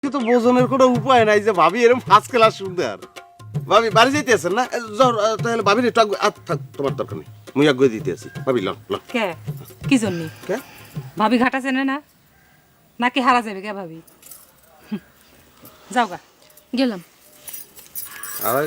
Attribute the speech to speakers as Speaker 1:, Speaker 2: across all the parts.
Speaker 1: তো বোঝনের কোনো উপায় নাই যে ভাবি এরকম ফার্স্ট ক্লাস সুন্দর। ভাবি বাড়ি যাইতে আছেন না? তাহলে ভাবির একটু থাক, তোমার দরকার নেই, মুই আগে দিতে আছি। ভাবি লন লন।
Speaker 2: কে কি জন্য
Speaker 1: কে
Speaker 2: ভাবি ঘাটা চেনে না নাকি হারা যাবে কে ভাবি? যাও গা
Speaker 3: গেলাম।
Speaker 1: আর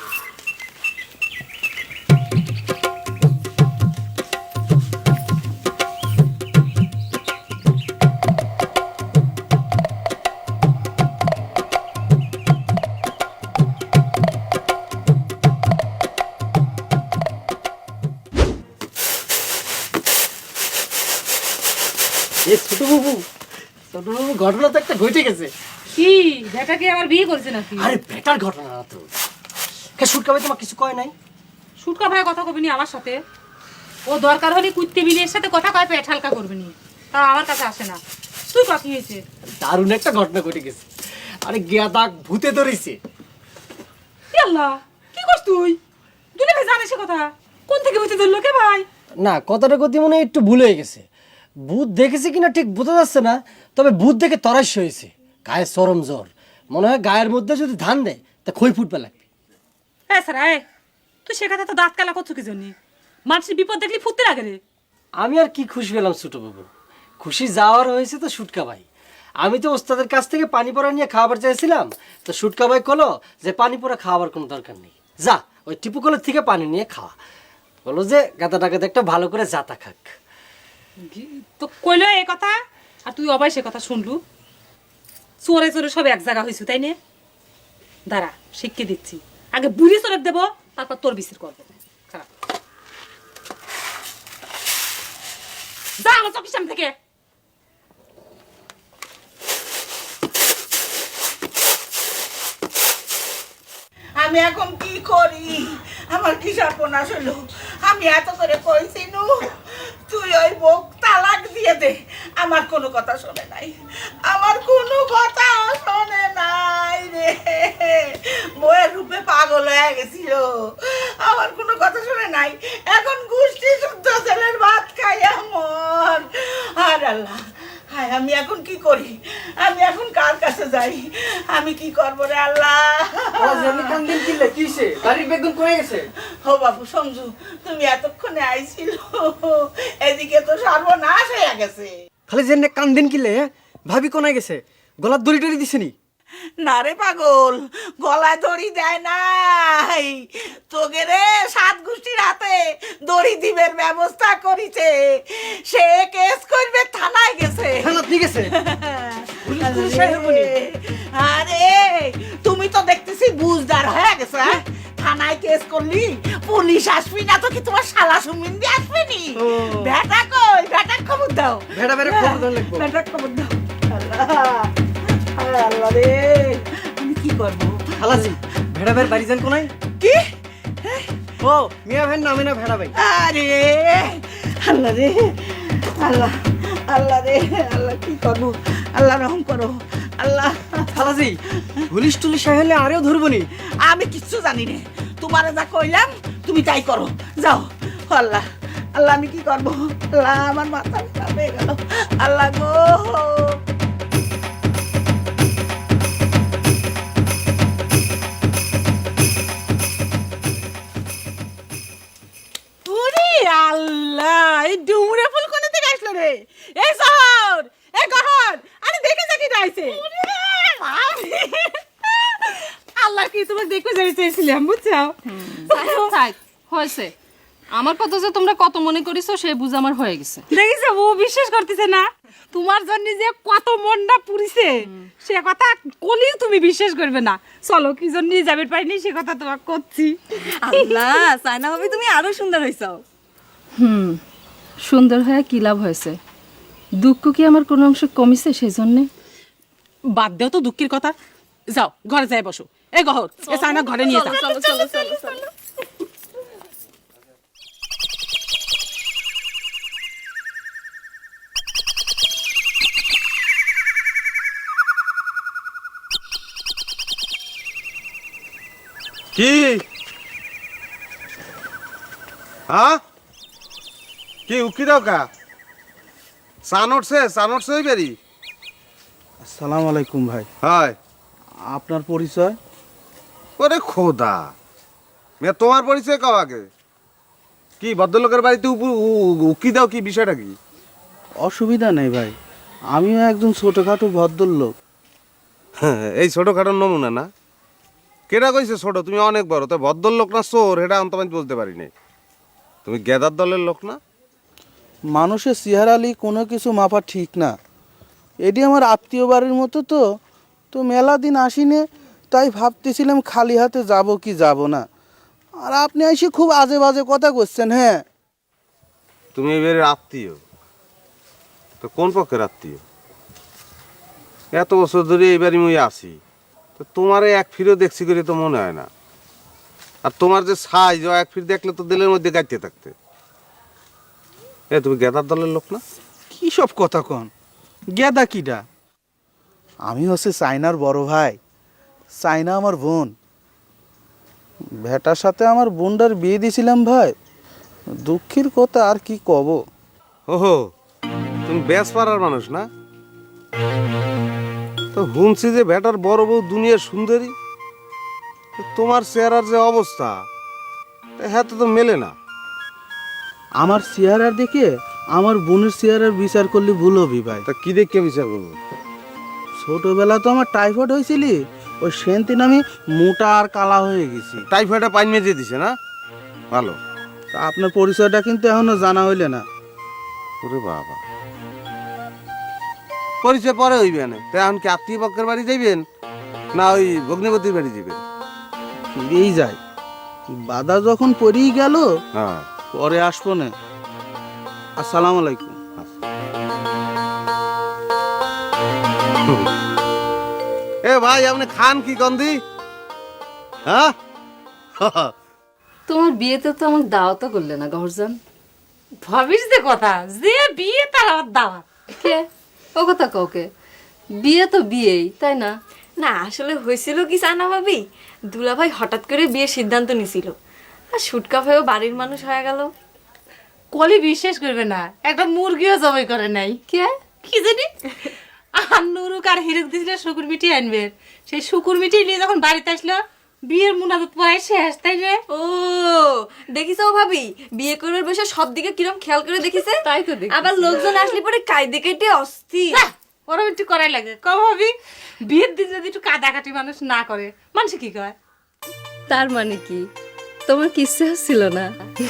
Speaker 4: ছোট বাবু ঘটনা তো একটা ঘটে গেছে।
Speaker 2: কি বেটা কি আমার বিয়ে করেছে নাকি?
Speaker 4: আরে বেটার ঘটনা না তো। কে সুটকা ভাই তোমার কিছু কয় নাই?
Speaker 2: সুটকা ভাই কথা কবিনি আমার সাথে। ও দরকার হলে কুত্তে বিলের সাথে কথা কয় পেট হালকা করবিনি, তা আমার কাছে আসে না। তুই কি হয়েছে?
Speaker 4: দারুণ একটা ঘটনা ঘটে গেছে। আরে গেদা ভূতে ধরেছে।
Speaker 2: আল্লাহ কি করছ তুই? দুলে ভাই জানে সে কথা? কোন থেকে বুঝতে ধরলো কে ভাই?
Speaker 4: না, কথাটা গতি মনে হয় একটু ভুল হয়ে গেছে। ভূত দেখেছে কিনা ঠিক বোঝা যাচ্ছে না, তবে ভূত দেখে তরাস হয়েছে। গায়ে চরম জ্বর, মনে হয় গায়ের মধ্যে যদি ধান দেয় তা খই ফুটবে লাগবে।
Speaker 2: হ্যাঁ স্যার তুই সে কথা তো দাঁত কালা করছো কি জন্য? মানুষের বিপদ দেখলি ফুটতে লাগে রে।
Speaker 4: আমি আর কি খুশি হলাম ছোট বাবু, খুশি যাওয়ার হয়েছে তো সুটকা ভাই। আমি তো ওস্তাদের কাছ থেকে পানি পড়া নিয়ে খাবার চাইছিলাম, তো সুটকা ভাই কলো যে পানি পড়া খাওয়ার কোনো দরকার নেই, যা ওই টিপু কলের থেকে পানি নিয়ে খাওয়া। বলো যে গাদাটাকে একটা ভালো করে জাতা খাক।
Speaker 2: তো কইলো এই কথা আর তুই অবাই সে কথা শুনলু। চোরে চোরে সব এক জায়গা হয়েছু তাই নে? দাঁড়া শিখিয়ে দিচ্ছি, আগে বুড়ি চোরে দেবো তারপর তোর বিচার করবো। খারাপ যা আমার চোখের সামনে থেকে।
Speaker 5: আমি এখন কি করি? আমার কি সর্বনাশ হলো? আমি এত করে কইছি নু তুই ওই বউ তালাক দিয়ে দে। আমার কোনো কথা শোনে নাই, আমার কোনো কথা শোনে নাই রে। বউয়ের রূপে পাগল হয়ে গেছিল, আমার কোনো কথা শোনে নাই। এখন গোষ্ঠী শুদ্ধ ছেলের ভাত খাই এমন। আর আল্লাহ, হায় আমি এখন কি করি? আমি এখন কার কাছে যাই? আমি কি করবো রে আল্লাহ? ও বাবু সঞ্জু, তুমি এতক্ষণে আইছিল, এদিকে তো সর্বনাশ হয়ে গেছে।
Speaker 6: খালি যে কান্দিন কিলে ভাবি কোনায় গেছে, গলার দড়ি টড়ি দিছেনি?
Speaker 5: না রে পাগল, গলায় দড়ি দেয় নাই, তোকে রে সাত গোষ্ঠীর হাতে দড়ি দিবের ব্যবস্থা করিছে। সে কেস করবে, থানায় গেছে।
Speaker 6: থানাত নিয়ে গেছে?
Speaker 5: আরে তুমি তো দেখতেছি বুঝদার হয়ে গেছে। হ্যাঁ, থানায় কেস করলি পুলিশ আসবি না তো কি তোমার শালা সুমিন্দি আসবে নি? বেটা কই? বেটার খবর দাও।
Speaker 6: ভেড়া ভেড়া খবর দেওয়া লাগবো।
Speaker 5: বেটার খবর দাও। আল্লাহ, আয় আল্লাহ রে, আমি কি করবো?
Speaker 6: খালাজি ভেড়া ভাইয়ের বাড়ি যান কোনায়?
Speaker 5: কি?
Speaker 6: ও মিয়া ভাইয়ের নামে না ভেড়া ভাই?
Speaker 5: আরে আল্লাহ রে, আল্লাহ, আল্লাহ রে, আল্লাহ কি করবো? আল্লাহ রহম করো আল্লাহ।
Speaker 6: খালাজি পুলিশ টুলিশ হলে আরেও ধরবনি?
Speaker 5: আমি কিচ্ছু জানি রে, তোমারে যা কইলাম তুমি তাই করো, যাও। আল্লাহ, আল্লাহ আমি কি করবো? আল্লাহ আমার মাথা খারাপ হয়ে গেল। আল্লাহ গো, ওরে আল্লাহ, এই ডুমুরে ফুল কোন থেকে আসলো রে? এই শহর, এই গহর, আরে দেখে যাকি রাইছে। আল্লাহ কি তোমাকে দেখতে যাই চেয়েছিলাম, বুঝছো?
Speaker 3: থাক হয়েছে, আমার কথা যে তোমরা কত মনে করিছো সে বুঝ আমার হয়ে গেছে।
Speaker 2: দেখিস ও বিশ্বাস করতেছে না, তোমার জন্য যে কত মনটা পুরিছে সে কথা কলিও তুমি বিশ্বাস করবে না। চলো কি জন্য যাবে পাইনি সে কথা তোমাকে করছি।
Speaker 7: আল্লাহ, সাইনা ভাবি তুমি আরো সুন্দর হইছো।
Speaker 3: সুন্দর হয়ে কি লাভ হয়েছে? দুঃখ কি আমার কোনো অংশ কমিছে সেই জন্যে?
Speaker 2: বাদ দেও তো দুঃখের কথা, যাও ঘরে যাই বসো। এ গহর, এ সাইনা ঘরে নিয়ে যাও।
Speaker 7: চলো চলো চলো চলো।
Speaker 1: কি হ্যাঁ কি উকি দাও কা? সান উঠছে ওই বেরি। আচ্ছা
Speaker 8: আসসালামু আলাইকুম ভাই।
Speaker 1: হয়
Speaker 8: আপনার পরিচয়?
Speaker 1: ওরে খোদা মেয়ে, তোমার পরিচয় কাও আগে। কি ভদ্রলোকের বাড়িতে উকি দাও, কি বিষয়টা কি?
Speaker 8: অসুবিধা নেই ভাই, আমিও একজন ছোটখাটো ভদ্রলোক।
Speaker 1: এই ছোটখাটোর নমুনা না? কেটা কইছে ছোট? তুমি অনেক বড়। তো ভদ্রলোক না চোর এটা আমি তোমায় বলতে পারি নাই। তুমি গেদার দলের লোক না?
Speaker 8: মানুষের চেহারালি কোনো কিছু মাপা ঠিক না। এটি আমার আত্মীয় বাড়ির মতো, তো মেলা দিন আসিনে, তাই ভাবতেছিলাম খালি হাতে যাব কি যাব না। আর আপনি এসে খুব আজে বাজে কথা করছেন। হ্যাঁ,
Speaker 1: তুমি এবারে আত্মীয় তো কোন পক্ষের আত্মীয়? এত বছর ধরে এবারই মুই আসি, তো তোমার এক ফিরেও দেখছি করে তো মনে হয় না। আর তোমার যে সাইজ, এক ফির দেখলে তো দিলের মধ্যে গাইতে থাকতে। তুমি গেদার দলের লোক না?
Speaker 8: কী সব কথা কন? গেদা কিডা? আমি হচ্ছে চাইনার বড় ভাই। চাইনা আমার বোন। ভেটার সাথে আমার বোনটার বিয়ে দিয়েছিলাম ভাই। দুঃখের কথা আর কি কব।
Speaker 1: ওহো, তুমি বেশ পাড়ার মানুষ না? তো শুনছি যে বেটার বড় বউ দুনিয়ার সুন্দরী। তো তোমার চেহারার যে অবস্থা, হ্যাঁ তো মেলে না।
Speaker 8: আমার চেহারা দেখে আমার বোনের চেহারার বিচার করলে ভুল হবি ভাই।
Speaker 1: তা কি দেখে বিচার করবো?
Speaker 8: ছোটবেলা তো আমার টাইফয়েড হয়েছিল, ওই সেদিন আমি মোটা আর কালা হয়ে গেছি।
Speaker 1: টাইফয়েডে পানি মেজে দিছে না? ভালো।
Speaker 8: তা আপনার পরিচয়টা কিন্তু এখনো জানা হইলে না।
Speaker 1: ওরে বাবা, পরিচয় পরে হইবে না। তা এখন কি আত্মীয় পক্ষের বাড়ি যাইবেন না ওই ভগ্নিপতির বাড়ি যাবেন?
Speaker 8: ফিরেই যায়, বাধা যখন পড়েই গেল
Speaker 1: হ্যাঁ,
Speaker 8: পরে আসবো না। আসসালামু আলাইকুম।
Speaker 1: এ ভাই, আপনি খান কি গন্ধি? হ্যাঁ,
Speaker 3: তোমার বিয়েতে তো আমাকে দাওয়াতও করলে না গহরজান।
Speaker 2: ভাবিস যে কথা, যে বিয়ে তার আবার দাওয়াত।
Speaker 3: কে ও কথা কাউকে? বিয়ে তো বিয়েই, তাই না?
Speaker 7: না আসলে হয়েছিল কি সাইনা ভাবি, দুলাভাই হঠাৎ করে বিয়ের সিদ্ধান্ত নিছিল, আর সুটকা ভাইও বাড়ির মানুষ হয়ে গেল।
Speaker 2: কলি বিশ্বাস করবে না, একটা মুরগিও জবাই করে নাই।
Speaker 3: কে?
Speaker 2: কি জানি আর নুরুক আর হিরুক দিছিল শুকুর মিটি আনবে। সেই শুকুর মিটি নিয়ে যখন বাড়িতে আসলো, বিয়ের মুনাজাত পড়াই শেষ, তাই রে?
Speaker 7: ও দেখিছো ভাবি, বিয়ে করবার বসে সব দিকে কিরম খেয়াল করে দেখিছে।
Speaker 3: তাই তো দেখি।
Speaker 7: আবার লোকজন আসলে পরে কাইদে কেটে অস্থির।
Speaker 2: ওরম একটু করাই লাগে। কম ভাবি, বিয়ের দিন যদি একটু কাটাকাটি মানুষ না করে, মানুষ কি কয়?
Speaker 3: তার মানে কি তোমার কিচ্ছু হচ্ছিল না?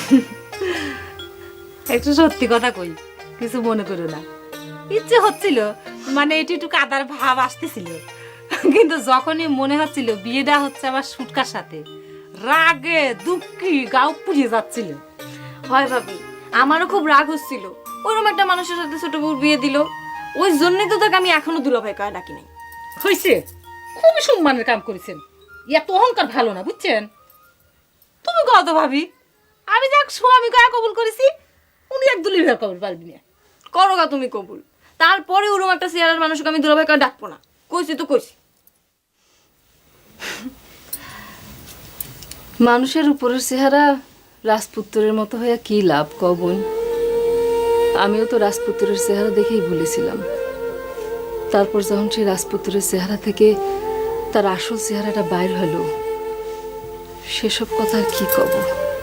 Speaker 2: একটু সত্যি কথা কই, কিছু মনে করো না। ইচ্ছে হচ্ছিল, মানে এটি একটু কাদার ভাব আসতেছিল, কিন্তু যখনই মনে হচ্ছিল বিয়েটা হচ্ছে আমার সুটকার সাথে, রাগে দুঃখী গাও পুড়িয়ে যাচ্ছিল।
Speaker 7: হয় ভাবি, আমারও খুব রাগ হচ্ছিল। ওরকম একটা মানুষের সাথে ছোট বউর বিয়ে দিল। ওই জন্যই তো তাকে আমি এখনো দুলাভাই কয়ে ডাকি নাই।
Speaker 2: হয়েছে, খুবই সম্মানের কাম করেছেন। এত অহংকার ভালো না, বুঝছেন? তুমি কত ভাবি, আমি যাক স্বামী কয়া কবুল করেছি, উনি এক দুলি ভাই কবুল পারবি না।
Speaker 7: করো গা তুমি কবুল, তারপরে ওরকম একটা চেহারার মানুষকে আমি দুলাভাই কয়ে ডাকবো না। কইছি তো কইছি।
Speaker 3: মানুষের উপরের চেহারা রাজপুত্রের মতো হয়ে কি লাভ কবন? আমিও তো রাজপুত্রের চেহারা দেখেই ভুলেছিলাম। তারপর যখন সেই রাজপুত্রের চেহারা থেকে তার আসল চেহারাটা বাইর হলো, সেসব কথা আর কি কব?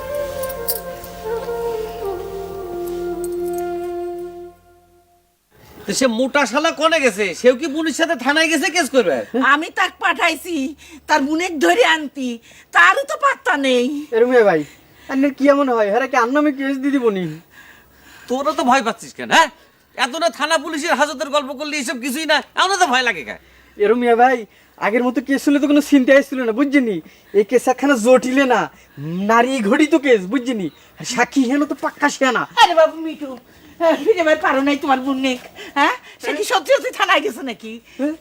Speaker 9: সে মোটা শালা কোনে গেছে? সেও কি বোনের সাথে থানায় গেছে কেস করবে?
Speaker 5: আমি তাক পাঠাইছি তার বুনেক ধরে আনতি, তারও তো পাত্তা নেই।
Speaker 6: এরমে ভাই, আপনার কি এমন হয়? হ্যাঁ, কি আর নামে কেস দিয়ে দিবনি?
Speaker 9: তোরা তো ভয় পাচ্ছিস কেন? হ্যাঁ, এত না থানা পুলিশের হাজতের গল্প করলে এসব কিছুই না, এমন তো ভয় লাগে কেন?
Speaker 6: এরমিয়া ভাই, আগের মতো কেস হলে তো কোনো চিন্তাই ছিল না, বুঝছিনি? এই কেস একখানা জটিলে না, নারী ঘড়িত কেস, বুঝছিনি? সাক্ষী হেন তো পাক্কা শিয়ানা।
Speaker 5: আরে বাবু মিঠু, ফিরে বের পারো নাই তোমার বুনেক? হ্যাঁ, সে কি সত্যি সত্যি থানায় গেছে নাকি?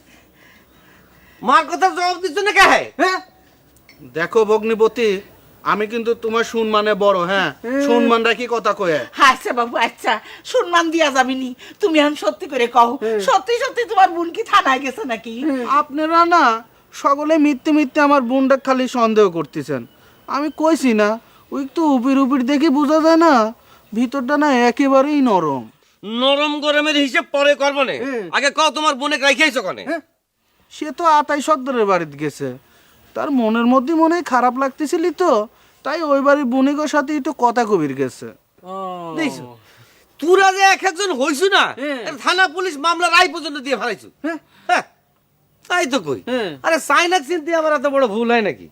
Speaker 1: মার কথা জবাব দিচ্ছ না কে?
Speaker 8: হ্যাঁ, দেখো ভগ্নিপতি, আমি কিন্তু তোমার সম্মানে বড়। হ্যাঁ, সম্মান রাখি কথা কয়ে।
Speaker 5: আচ্ছা বাবু, আচ্ছা সম্মান দিয়া যাবিনি। তুমি এখন সত্যি করে কও, সত্যি সত্যি তোমার বোন কি থানায় গেছে নাকি?
Speaker 8: আপনারা না সকলে মিথ্যে মিথ্যে আমার বোনটা খালি সন্দেহ করতেছেন। আমি কইছি না, ওই একটু উপির উপির দেখে বোঝা যায় না, ভিতরটা না একেবারেই নরম।
Speaker 9: নরম গরমের হিসেব পরে করবো না, আগে কও তোমার বোনে রাখিয়েছো কনে?
Speaker 8: সে তো আতাই সর্দারের বাড়িতে গেছে। তার মনের মধ্যে মনে হয় খারাপ লাগতেছিলি তো, তাই ওই বাড়ির বণিকের সাথে একটু কথা কবির গেছে।
Speaker 9: দেখছো তোরা যে এক একজন হইছু না, এটা থানা পুলিশ মামলা রায় পর্যন্ত দিয়ে ফেলাইছু। হ্যাঁ, তাই তো কই। আরে সাইনাক চিনতে আমার এত বড় ভুল হয় নাকি?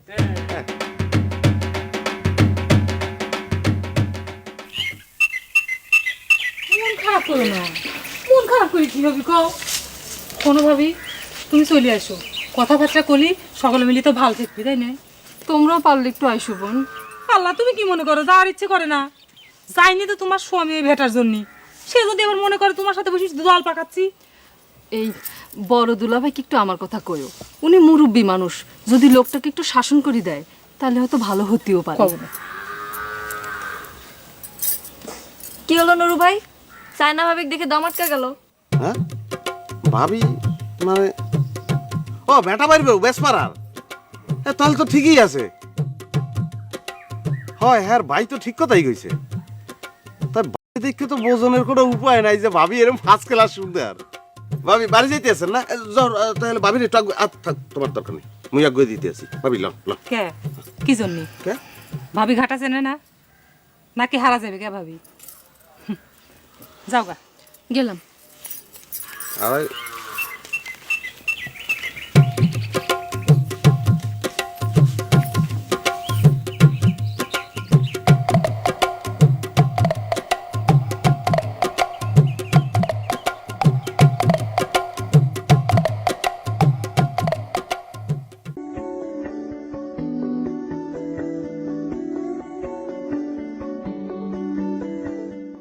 Speaker 2: মন খারাপ করো না, মন খারাপ করে কি হবে কও? কোনো ভাবি তুমি চলে আসো, কথাবার্তা কলি সকলে মিলি তো ভালো থাকবি, তাই না?
Speaker 3: তোমরাও পারলে একটু আইসো বোন।
Speaker 2: আল্লাহ, তুমি কি মনে করো যাওয়ার ইচ্ছে করে না? যাইনি তো তোমার স্বামী ভেটার জন্য, সে যদি আবার মনে করে তোমার সাথে বসে দল পাকাচ্ছি।
Speaker 3: এই বড় দুলাভাইকে একটু আমার কথা কইও, উনি মুরব্বী মানুষ, যদি লোকটাকে একটু শাসন করে দেয় তাহলে হয়তো ভালো হতেও পারে।
Speaker 7: কি হলো নুরু ভাই, সাইনা ভাবিক দেখে দম আটকা গেল?
Speaker 1: হ্যাঁ ভাবি মানে ও বেটা পারবে বেশ পারার, তাহলে তো ঠিকই আছে। হয় হ্যাঁ ভাই তো ঠিক কথাই কইছে। তার বাড়ি দেখে তো বোঝনের কোনো উপায় নাই যে ভাবি এরকম ফার্স্ট ক্লাস সুন্দর। ভাবি বাড়ি যাইতে আছেন না? যাও, তাহলে ভাবির একটু থাক, তোমার দরকার নেই, মুই আগে দিতে আছি। ভাবি লন লন।
Speaker 2: কে কি জন্য?
Speaker 1: কে
Speaker 2: ভাবি ঘাটা চেনে না নাকি হারা যাবে কে ভাবি? যাও গা।
Speaker 3: গেলাম।
Speaker 1: আর